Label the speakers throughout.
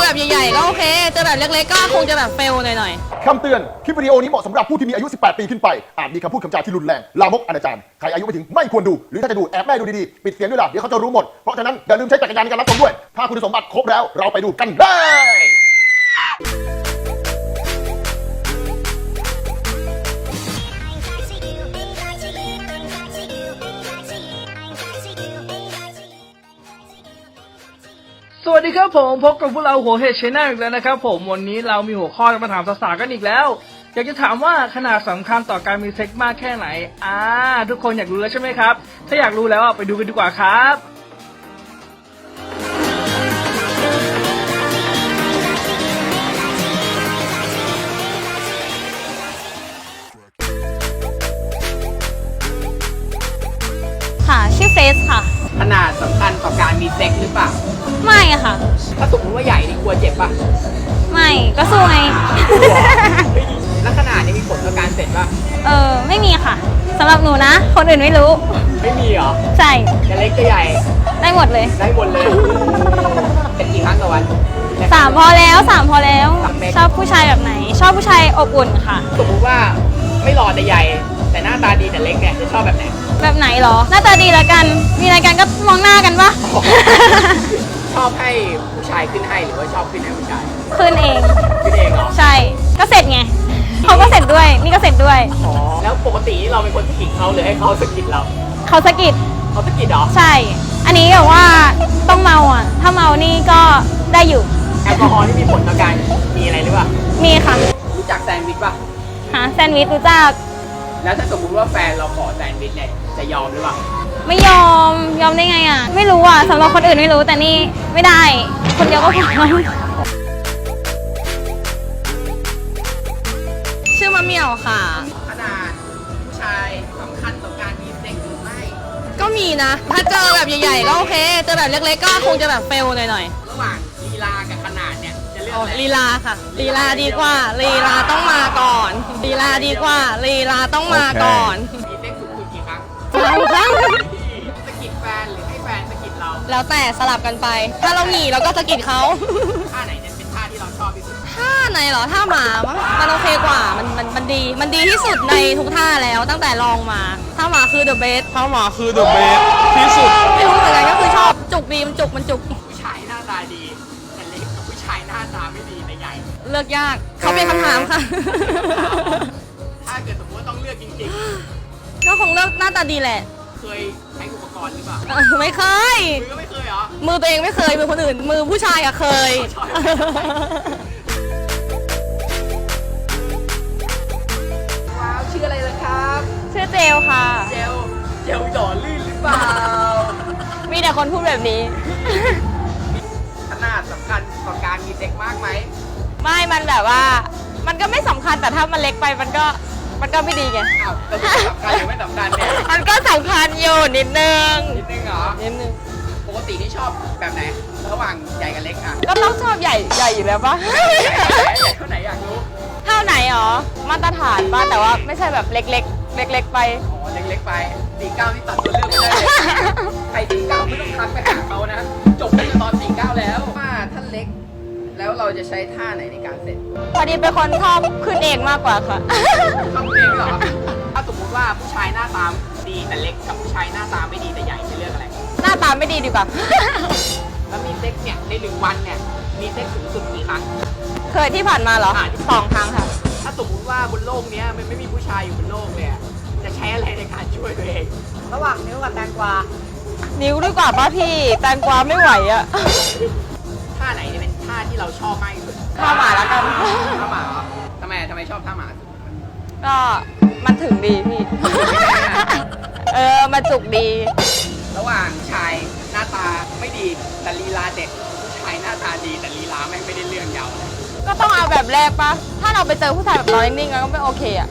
Speaker 1: แบบใหญ่ๆก็โอเคเจอแบบเล็กๆก็คงจะแบบเฟลหน่อย
Speaker 2: คำเตือน คลิปวิดีโอนี้เหมาะสำหรับผู้ที่มีอายุ 18 ปีขึ้นไป อาจมีคำพูดคำจาที่รุนแรง ลามกอนาจารใครอายุไม่ถึงไม่ควรดู หรือถ้าจะดูแอบแม่ดูดีๆ ปิดเสียงด้วยล่ะ เดี๋ยวเขาจะรู้หมด เพราะฉะนั้นอย่าลืมใช้จักรยานในการรับชมด้วย ถ้าคุณสมบัติครบแล้วเราไปดูกันได้
Speaker 3: สวัสดีครับผมพบกับพวกเราหัวเห็ดชแนลอีกแล้วนะครับผมวันนี้เรามีหัวข้อมาถามสาวๆกันอีกแล้วอยากจะถามว่าขนาดสำคัญต่อการมีเซ็กมากแค่ไหนทุกคนอยากรู้แล้วใช่ไหมครับถ้าอยากรู้แล้วไปดูกันดีกว่าครับ
Speaker 1: ๆค่ะชื่อเฟสค่ะ
Speaker 4: ขนาดสำคัญต่อการมีเซ็กหรือเปล่า
Speaker 1: ไม่ค่ะ
Speaker 4: ถ้าสมมติว่าใหญ่นี่กลัวเจ็บป่ะ
Speaker 1: ไม่ก็สู้ไง
Speaker 4: แล้วขนาดนี้มีผลต่อการเสร็จป่ะ
Speaker 1: ไม่มีค่ะสำหรับหนูนะ คนอื่นไม่รู้
Speaker 4: ไม่มีเหรอ
Speaker 1: ใช่
Speaker 4: จะเล็กจะใหญ่
Speaker 1: ได้หมดเลย
Speaker 4: ได้หมดเลย เป็นกี่ครั้งต่อวัน
Speaker 1: 3 พอแล้ว3 พอแล้ว
Speaker 4: สามเม็ด
Speaker 1: ชอบผู้ชายแบบไหน ชอบผู้ชายอบอุ่นค่ะ
Speaker 4: สมมติว่าไม่หล่อแต่ใหญ่ แต่หน้าตาดีแต่เล็กเนี่ยจะชอบแบบไหน
Speaker 1: แบบไหนเหรอ หน้าตาดีแล้วกัน มีอะไรกันก็มองหน้ากันปะ
Speaker 4: ชอบให้ผู้ชายขึ้นให้หรือว่าชอบขึ้นให้ผู้ชาย
Speaker 1: ขึ้นเอง
Speaker 4: ขึ้นเองเหรอ
Speaker 1: ใช่ ก็เสร็จไงเขาก็เสร็จด้วย นี่ก็เสร็จด้วย
Speaker 4: อ๋อ แล้วปกตินี่เราเป็นคนสะกิดเขาหรือให้เขาสะกิดเรา
Speaker 1: เขาสะกิด
Speaker 4: เขาสะกิดเหรอ
Speaker 1: ใช่ อันนี้แบบว่าต้องเมาอ่ะ ถ้าเมานี่ก็ได้อยู่
Speaker 4: แอลกอฮอล์นี่มีผลต่อการมีอะไรหรือเปล่า
Speaker 1: มีค่ะ
Speaker 4: รู้จักแซนด์วิชป่ะ
Speaker 1: หาแซนด์วิชรู้จัก
Speaker 4: แล้วถ้าสมมติว่าแฟนเราขอแซนด์วิชเนี่ยจะยอมหรือเปล่า
Speaker 1: ไม่ยอมได้ไงอ่ะ ไม่รู้อ่ะสำหรับคนอื่นไม่รู้แต่นี่ไม่ได้ คนเดียวก็พอชื่อมะเหมี่ยวค่ะ
Speaker 4: ขนาดผู้ชายสำคัญต่อการมีเซ็กหรือไม่
Speaker 1: ก็มีนะ ถ้าเจอแบบใหญ่ๆก็โอเคเจอแบบเล็กๆก็คงจะแบบเฟลหน่อย
Speaker 4: ระหว่างลีลากับขนาดเนี่ยจะเลือกอะไร
Speaker 1: ๆลีลาค่ะลีลาดีกว่าลีลาต้องมาก่อนลีลาดีกว่าลีลาต้องมาก่อน
Speaker 4: มีเซ็กสุดคุณกี่ครั้ง
Speaker 1: 3 ครั้ง
Speaker 4: สะกิดแฟนหรือให้แฟนสะกิดเรา
Speaker 1: แล้วแต่สลับกันไป ถ้าเราหนีเราก็สะกิดเขา
Speaker 4: ท่าไหนเนี่ยเป็นท่าที่เราชอบที่สุด
Speaker 1: ท่าไหนเหรอท่าหมามั้งมันโอเคกว่ามันดีที่สุดในทุกท่าแล้วตั้งแต่ลองมาท่าหมาคือ the best
Speaker 5: ถ้าหมาคือ the best ที่สุด
Speaker 1: ไม่รู้เหมือนกันก็คือชอบจุกดีมันจุก
Speaker 4: ผู้ชายหน้าตาดีแต่เล็กกับผู้ชายหน้าตาไม่ดีแต่ใหญ่
Speaker 1: เลือกยากเขาเป็นคำถามค่ะ
Speaker 4: ถ้าเกิดสมมติว่าต้องเลือกจริง
Speaker 1: ก็คงเลือกหน้าตาดีแหละ
Speaker 4: ๆ เคยใช้อุปกรณ์หรือเปล่า
Speaker 1: ไม่เคย
Speaker 4: มือก็ไม่เคยเหรอ
Speaker 1: มือตัวเองไม่เคยมือคนอื่น มือผู้ชายอะเคย
Speaker 4: ว้าวชื่ออะไรล่ะครับ
Speaker 1: ชื่อเจลค่ะ
Speaker 4: เจลหล่อลื่นหรือเปล่า
Speaker 1: มีแต่คนพูดแบบนี้
Speaker 4: ขนาดสำคัญต่อการมีเซ็กมากไหม
Speaker 1: ไม่มันแบบว่า มันก็ไม่สำคัญแต่ถ้ามันเล็กไปมันก็ไม่ดีไง
Speaker 4: อ้าวแต่สำคัญหรือไม่สำคัญเนี่ย
Speaker 1: มันก็สำคัญอยู่นิดนึง
Speaker 4: นิดนึงเหรอ
Speaker 1: นิดนึง
Speaker 4: ปกติที่ชอบแบบไหน ระหว่างใหญ่กับเล็กอ่ะ
Speaker 1: ก็ต้องชอบใหญ่อยู่แล้วปะ
Speaker 4: ใหญ่เท่าไหนอยากรู้
Speaker 1: เท่าไหนหรอ มาตรฐานป่ะแต่ว่าไม่ใช่แบบเล็กไป
Speaker 4: อ๋อเล็กๆไป49นี่ตัดตัวเลือกไม่ได้เลย ใคร49ไม่ต้องทักไปหาเขานะ จบตั้งแต่ตอน49แล้วว่าถ้าเล็ก แล้วเราจะใช้ท่าไหนในการเสร็จ
Speaker 1: พอดีเป็นคนชอบขึ้นเองมากกว่าค่ะ
Speaker 4: ทำเองเหรอ ถ้าสมมติว่าผู้ชายหน้าตาดีแต่เล็กกับผู้ชายหน้าตาไม่ดีแต่ใหญ่จะเลือกอะไร
Speaker 1: หน้าตาไม่ดีดีกว่า
Speaker 4: แล้วมีเซ็กเนี่ยใน1 วันเนี่ยมีเซ็กสูงสุดกี่ครั้ง
Speaker 1: เคยที่ผ่านมาเหรอ 2 ครั้งค่ะ
Speaker 4: ถ้าสมมติว่าบนโลกเนี้ยมันไม่มีผู้ชายอยู่บนโลกเลยอะจะใช้อะไรในการช่วยตัวเอง ระหว่างนิ้วกับแตงกวา
Speaker 1: นิ้วดีกว่าป้าพี่แตงกวาไม่ไหวอะ
Speaker 4: ท่าไหนเนี่ยเป็นท่าที่เราชอบมากที่สุด
Speaker 1: ท่าหมาแล้วกัน
Speaker 4: ท่าหมาเหรอทำไมชอบท่าหมาสุด
Speaker 1: ก็มันถึงดีพี่ มันจุกดี
Speaker 4: ระหว่างชายหน้าตาไม่ดีแต่ลีลาเด็ดผู้ชายหน้าตาดีแต่ลีลาไม่ได้เรื่องยาวเลย
Speaker 1: ก็ต้องเอาแบบแรกปะถ้าเราไปเจอผู้ชายแบบนอนนิ่งๆแล้วก็ไม่โอเคอะ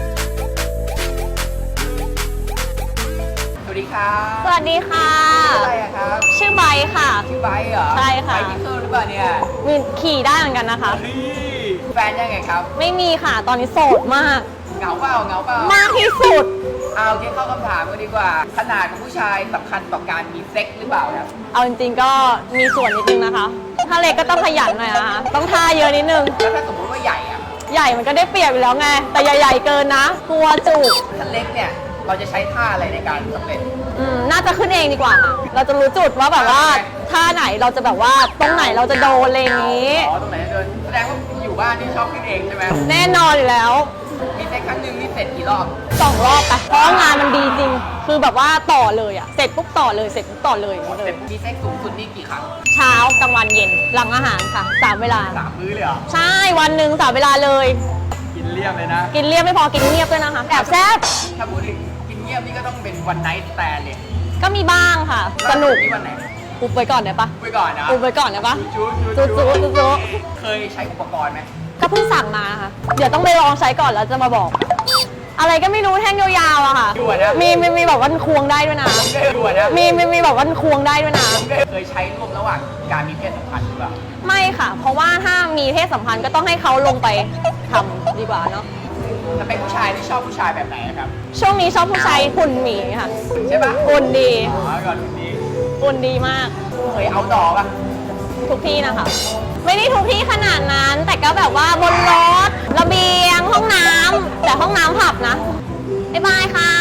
Speaker 4: สวัสดีครับ
Speaker 1: สวัสดีค่ะ
Speaker 4: ชื่ออะไรอะครับ
Speaker 1: ชื่อไบร์ทค่ะ
Speaker 4: ชื่อไบร์ทเหรอ
Speaker 1: ใช่ค่ะ
Speaker 4: ไบร์ทที่เคอร์หรือเปล่าเนี่ย
Speaker 1: มีขี่ได้เหมือนกันนะคะ
Speaker 4: แฟนยังไงครับ
Speaker 1: ไม่มีค่ะ ตอนนี้โสดมาก
Speaker 4: เหงาเปล่า
Speaker 1: มากที่สุด
Speaker 4: อโอเคเข้าคำถามกันดีกว่า ขนาดของผู้ชายสำคัญต่อการมีเซ็กหรือเปล่าครับ
Speaker 1: เอาจริงๆก็มีส่วนนิดนึงนะคะ ถ้าเล็กก็ต้องขยันหน่อยนะคะต้องท่าเยอะนิดนึง
Speaker 4: แล้วถ้าสมมติว่าใหญ่อะ
Speaker 1: ใหญ่มันก็ได้เปรียบอยู่แล้วไง แต่อย่าใหญ่เกินนะกลัวจุก
Speaker 4: ถ้าเล็กเนี่ยเราจะใช้ท่าอะไรในการสำเร็จ
Speaker 1: น่าจะขึ้นเองดีกว่าค่ะ เราจะรู้จุดว่าแบบว่าท่าไหนเราจะแบบว่าตรงไหนเราจะโดนอะไรอย่างนี้
Speaker 4: อ๋อตรงไหนจะเดินแสดงว่าอยู่บ้านนี่ชอบขึ้นเองใช่ไหม
Speaker 1: แน่นอนอยู่แล้ว
Speaker 4: มีเซ็กครั้งหนึ่งนี่เสร็จกี่รอบ
Speaker 1: 2 รอบไปเพราะว่างานมันดีจริง คือแบบว่าต่อเลยอะเสร็จปุ๊บต่อเลยเสร็จปุ๊บต่อเลยอย่างนี้เล
Speaker 4: เสร็
Speaker 1: ย
Speaker 4: จมีเซ็กสูงสุดนี่กี่ครั้ง
Speaker 1: เช้ากลางวันเย็นหลังอาหารค่ะ3 เวลา
Speaker 4: 3 มื้อเลยเหรอ
Speaker 1: ใช่วันหนึ่ง3 เวลาเลย
Speaker 4: กินเรียบเลยนะ
Speaker 1: กินเรียบไม่พอกินเงียบด้วยนะคะแอบแซ่บ
Speaker 4: ถ้าพูดถึงกินเงียบนี่ก็ต้องเป็นวันไนท์แต่เลย
Speaker 1: ก็มีบ้างค่ะ สนุก
Speaker 4: นี่วันไหน
Speaker 1: อุบไปก่อนได้ปะ
Speaker 4: ไปก่อนนะ
Speaker 1: อุบไปก่อนได้ปะ
Speaker 4: จู๊
Speaker 1: จุ๊จุ๊จุ๊
Speaker 4: เคยใช้อุปกรณ์ไหม
Speaker 1: ก็เพิ่งสั่งมาค่ะ เดี๋ยวต้องไปลองใช้ก่อนแล้วจะมาบอก อะไรก็ไม่รู้แท่งยาวๆอะค่ะ
Speaker 4: ดูนะ
Speaker 1: มีแบบว่ามันควงได้ด้วยนะ
Speaker 4: ดูนะ
Speaker 1: มีแบบว่ามันควงได้ด้วยนะ
Speaker 4: เคยใช้ร่วมระหว่างการมีเพศสัมพันธ์หรือเปล่า
Speaker 1: ไม่ค่ะ เพราะว่าถ้ามีเพศสัมพันธ์ก็ต้องให้เขาลงไปทำดีกว่าเนาะ
Speaker 4: ถ้าเป็นผู้ชายที่ชอบผู้ชายแบบไหนครับ
Speaker 1: ช่วงนี้ชอบผู้ชายหุ่นหมีค่ะ
Speaker 4: ใช่ปะ
Speaker 1: หุ่นดี
Speaker 4: อ๋อก่อนนี้
Speaker 1: หุ่นดีมาก
Speaker 4: เคยเอาดอกอะ
Speaker 1: ทุกที่นะคะ ไม่ได้ทุกที่ขนาดนั้น แต่ก็แบบว่าบนรถระเบียงห้องน้ำแต่ห้องน้ำผับนะบ๊ายบายค่ะ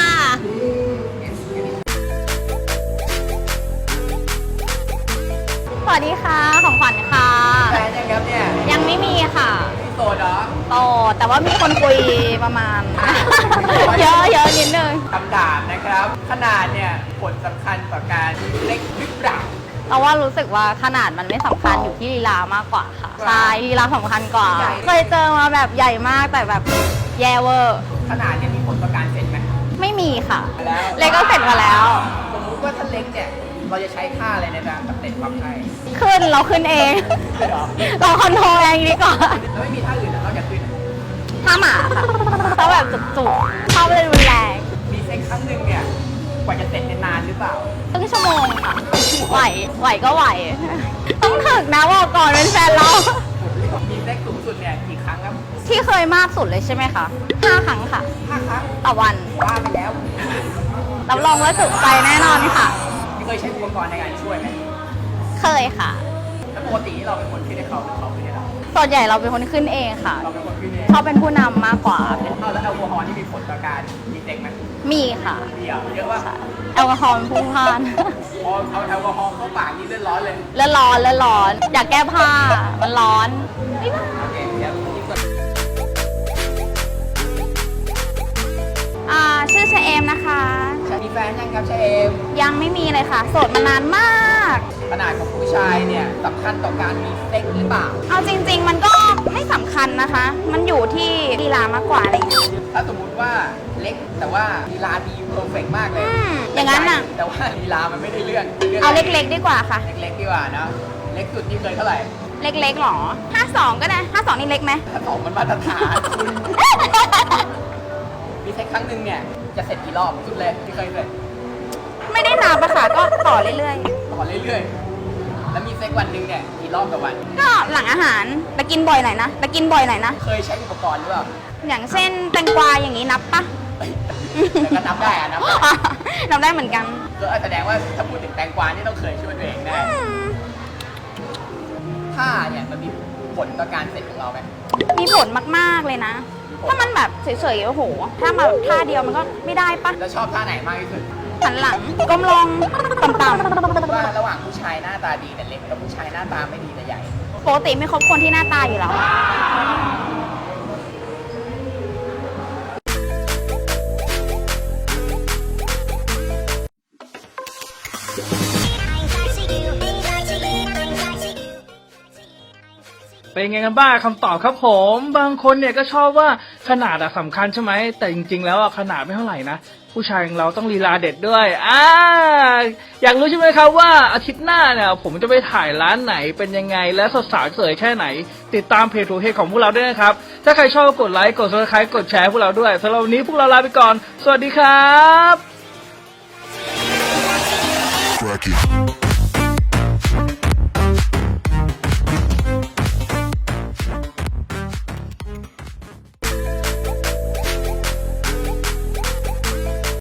Speaker 1: สวัสดีค่ะ ของขวัญค่ะ
Speaker 4: แฟนยังครับเนี่ย
Speaker 1: ยังไม่มีค่ะ
Speaker 4: พี่โสดเหรอ
Speaker 1: โตแต่ว่ามีคนคุยประมาณ เยอะนิดนึง
Speaker 4: คำถามนะครับ ขนาดเนี่ยผลสำคัญต่อการเล็กหรือเปล่า
Speaker 1: เราว่ารู้สึกว่าขนาดมันไม่สำคัญอยู่ที่ลีลามากกว่าค่ะใช่ลีลาสำคัญกว่า
Speaker 4: ใหญ่
Speaker 1: เคยเจอมาแบบใหญ่มากแต่แบบแย่เวอร์
Speaker 4: ขนาดเนี่ยมีผลต่อการเสร็จไหม
Speaker 1: ไม่มีค่ะ
Speaker 4: แล้ว
Speaker 1: เล็กก็เสร็จมาแล้ว
Speaker 4: สมมุติว่าถ้าเล็กเนี่ยเราจะใช้ท่าอะไรในการสำเร็จความใช่
Speaker 1: ขึ้นเราขึ้นเอง
Speaker 4: ใช่เหรอ
Speaker 1: เราคอนโทรลเองดีกว่า
Speaker 4: แล้วไม่มีท่าอื่นเหรอนอกจากขึ้นอะ
Speaker 1: ถ้าหมาค่ะถ้าแบบจุกๆเข้าไปรุนแรง
Speaker 4: มีเซ็กครั้งหนึ่งเนี่ยกว่าจะเสร็จเนี่ยนานหรือเปล่า
Speaker 1: ครึ่งชั่วโมงค่ะไหวก็ไหว ต้องถึกนะบอกก่อนเป็นแฟนเรา
Speaker 4: มีเซ็กสูงสุดเนี่ยกี่ครั้งครับ
Speaker 1: ที่เคยมากสุดเลยใช่ไหมคะ5 ครั้งค่ะ
Speaker 4: 5 ครั้ง
Speaker 1: ต่อวัน
Speaker 4: ว่าไปแล้ว
Speaker 1: รับรองว่าจุใจแน่นอนค่ะ
Speaker 4: เคยใช้อุปกรณ์ในการช่วยไหม
Speaker 1: เคยค่ะ
Speaker 4: แล้วปกติเราเป็นคนขึ้นให้เขาหรือเขาขึ้นให้เรา
Speaker 1: ส่วนใหญ่เราเป็นคนขึ้นเองค่ะ
Speaker 4: เราเป็นคนขึ้นเอง
Speaker 1: เขาเป็นผู้นำมากกว่า
Speaker 4: เอาแล้วแอลกอฮอล์นี่มีผลต่อการมีเซ็กไหม
Speaker 1: มีค่ะ
Speaker 4: เดี๋ยวเยอะว่า
Speaker 1: แอลกอฮอล์มันพุ่งพล่าน
Speaker 4: พอเอาแอลกอฮอล์เข้าปากนี่เลือดร้อนเลย
Speaker 1: เลือดร้อน อยากแก้ผ้า มันร้อนไม่ได้
Speaker 4: โอเคเดี๋ยวอีกส่วน
Speaker 1: ชื่อเชเอมนะคะ
Speaker 4: มีแฟนยังครับเชเอม
Speaker 1: ยังไม่มีเลยค่ะ โสดมานานมาก
Speaker 4: ขนาดของผู้ชายเนี่ยสำคัญต่อการมีเซ็กหรือเปล่า
Speaker 1: เอาจริง ๆ มันก็ไม่สำคัญนะคะ มันอยู่ที่ลีลามากกว่าอะไรอย่างเงี้ย
Speaker 4: ถ้าสมมุติว่าเล็กแต่ว่าลีลาดีเพอร์เฟกมากเลย
Speaker 1: อย่างนั้นน่ะ
Speaker 4: แต่ว่าลีลามันไม่ได้เรื่อง
Speaker 1: เอาเล็กๆดีกว่าค่ะ
Speaker 4: เล็กๆดีกว่านะเล็กสุดนี่เคยเท่าไหร่
Speaker 1: เล็กๆหรอ 52 ก็ได้ 52 นี่เล็กไหม
Speaker 4: ถ้าสองมันมาตรฐานคุณมีเซ็กครั้งหนึ่งเนี่ยจะเสร็จกี่รอบสุดเลยที่เคยเสร็จ
Speaker 1: ไม่ได้นับอะค่ะ ก็ต่อเรื่อย
Speaker 4: ต่อเรื่อยๆ แล้วมีเซ็กวันหนึ่งเนี่ยกี่รอบต่อวัน
Speaker 1: ๆ ก็หลังอาหารไปกินบ่อยหน่อยนะ
Speaker 4: เคยใช้อุปกรณ์หรือเปล่า
Speaker 1: อย่างเช่นแตงกวาอย่างนี้นับปะ
Speaker 4: เอ้ยแต่ก็นับได้อะนับได้
Speaker 1: นับได้เหมือนกัน
Speaker 4: ก็แสดงว่าถ้าพูดถึงแตงกวานี่ต้องเคยช่วยตัวเองแน่ท่าเนี่ยมันมีผลต่อการเสร็จของเราไหม
Speaker 1: มีผลมากๆเลยนะ ถ้ามันแบบเฉยๆ โอ้โห ถ้ามาแบบท่าเดียวมันก็ไม่ได้ปะ
Speaker 4: แล้วชอบท่าไหนมากที่สุด
Speaker 1: หันหลังก้มลงต่ำ
Speaker 4: ว่าระหว่างผู้ชายหน้าตาดีแต่เล็กกับผู้ชายหน้าตาไม่ดีแต่ใหญ่
Speaker 1: ๆ ปกติไม่คบคนที่หน้าตาอยู่แล้ว
Speaker 3: เป็นไงกันบ้างคำตอบครับผมบางคนเนี่ยก็ชอบว่าขนาดอะสำคัญใช่ไหมแต่จริงๆแล้วอะขนาดไม่เท่าไหร่นะผู้ชายของเราต้องลีลาเด็ดด้วยอยากรู้ใช่ไหมครับว่าอาทิตย์หน้าเนี่ยผมจะไปถ่ายร้านไหนเป็นยังไงและสาวๆสวยแค่ไหน ติดตามเพจทูเฮของพวกเราด้วยนะครับถ้าใครชอบกดไลค์กด Subscribe กดแชร์พวกเราด้วยสำหรับวันนี้พวกเราลาไปก่อนสวัสดีครับ
Speaker 6: Crack it.